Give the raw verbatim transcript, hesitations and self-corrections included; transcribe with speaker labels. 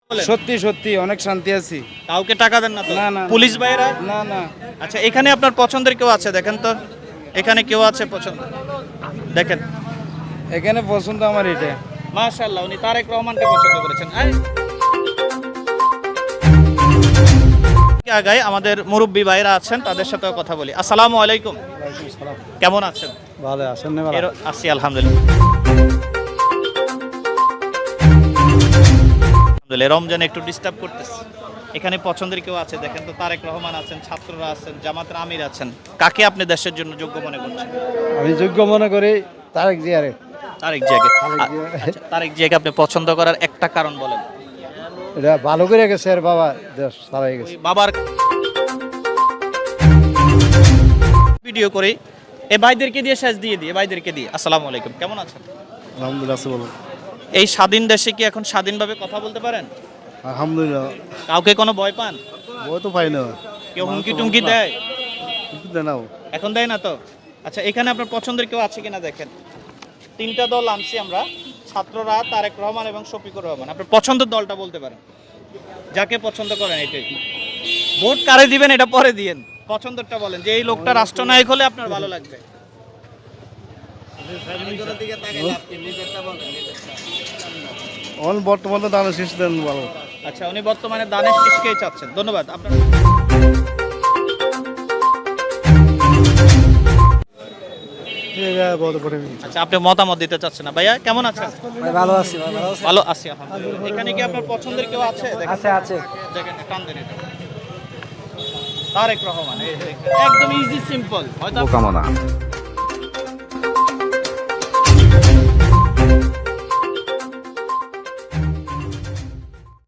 Speaker 1: সত্যি সত্যি অনেক শান্তি আছি।
Speaker 2: কাউকে টাকা দেন না তো?
Speaker 1: না, না, না।
Speaker 2: পুলিশ ভাইরা?
Speaker 1: না না
Speaker 2: আচ্ছা, এখানে আপনার পছন্দের কেউ আছে? দেখেন তো, এখানে কেউ আছে পছন্দ? দেখেন,
Speaker 1: এখানে পছন্দ আমার এটা।
Speaker 2: মাশাআল্লাহ, উনি তারেক রহমানকে পছন্দ করেছেন। এই, আগায় আমাদের মুরব্বী ভাইরা আছেন, তাদের সাথেও কথা বলি। আসসালামু আলাইকুম, কেমন আছেন?
Speaker 1: ভালো আছেন না?
Speaker 2: এর আছি আলহামদুলিল্লাহ। আলহামদুলিল্লাহ, রমজানে একটু ডিস্টার্ব করতেছে। এখানে পছন্দের কেউ আছে? দেখেন তো, তারেক রহমান আছেন, ছাত্ররা আছেন, জামাতের আমির আছেন। কাকে আপনি দেশের জন্য যোগ্য মনে করছেন?
Speaker 1: আমি যোগ্য মনে করি তারেক জিয়ারে।
Speaker 2: তারেক জিয়াকে।
Speaker 1: তারেক জিয়া।
Speaker 2: আচ্ছা, তারেক জিয়াকে আপনি পছন্দ করার একটা কারণ বলেন।
Speaker 1: এটা ভালো করে গেছে আর বাবা দেশ চালাই
Speaker 2: ওই
Speaker 1: গেছে।
Speaker 2: বাবার ভিডিও করি, এ ভাইদেরকে দিয়ে শেষ দিয়ে দিই, এ ভাইদেরকে দিয়ে। আসসালামু আলাইকুম, কেমন আছেন?
Speaker 1: আলহামদুলিল্লাহ বলুন।
Speaker 2: এই স্বাধীন দেশে কি এখন স্বাধীনভাবে কথা বলতে পারেন?
Speaker 1: আলহামদুলিল্লাহ।
Speaker 2: কাউকে কোনো ভয় পান?
Speaker 1: ও তো পাই না।
Speaker 2: কেউ হুমকি টুমকি দেয়?
Speaker 1: কিছু দেয় না।
Speaker 2: এখন দেয় না তো? আচ্ছা, এখানে আপনার পছন্দের কেউ আছে কিনা দেখেন। তিনটা দল আনছি আমরা, ছাত্ররা, তারেক রহমান এবং শফিকুর রহমান। আপনার পছন্দের দলটা বলতে পারেন, যাকে পছন্দ করেন এটাই। ভোট কারে দিবেন এটা পরে দিয়েন, পছন্দেরটা বলেন, যে এই লোকটা রাষ্ট্রনায়ক হলে আপনার ভালো লাগবে।
Speaker 1: অন বর্তমানে দানের শীষ দেন ভালো।
Speaker 2: আচ্ছা, উনি বর্তমানে দানের শীষকেই চাচ্ছেন। ধন্যবাদ আপনার। আচ্ছা, আপনি মতামত দিতে চাচ্ছেন না। ভাইয়া কেমন আছেন?
Speaker 1: ভালো আছি ভালো আছি।
Speaker 2: ভালো আছি আলহামদুলিল্লাহ। এখানে কি আপনার পছন্দের কেউ আছে? দেখেন।
Speaker 1: আছে আছে।
Speaker 2: দেখেন, টান দেন এটা। তারেক রহমান, এই দেখেন। একদম ইজি সিম্পল। হয়তো
Speaker 3: কামনা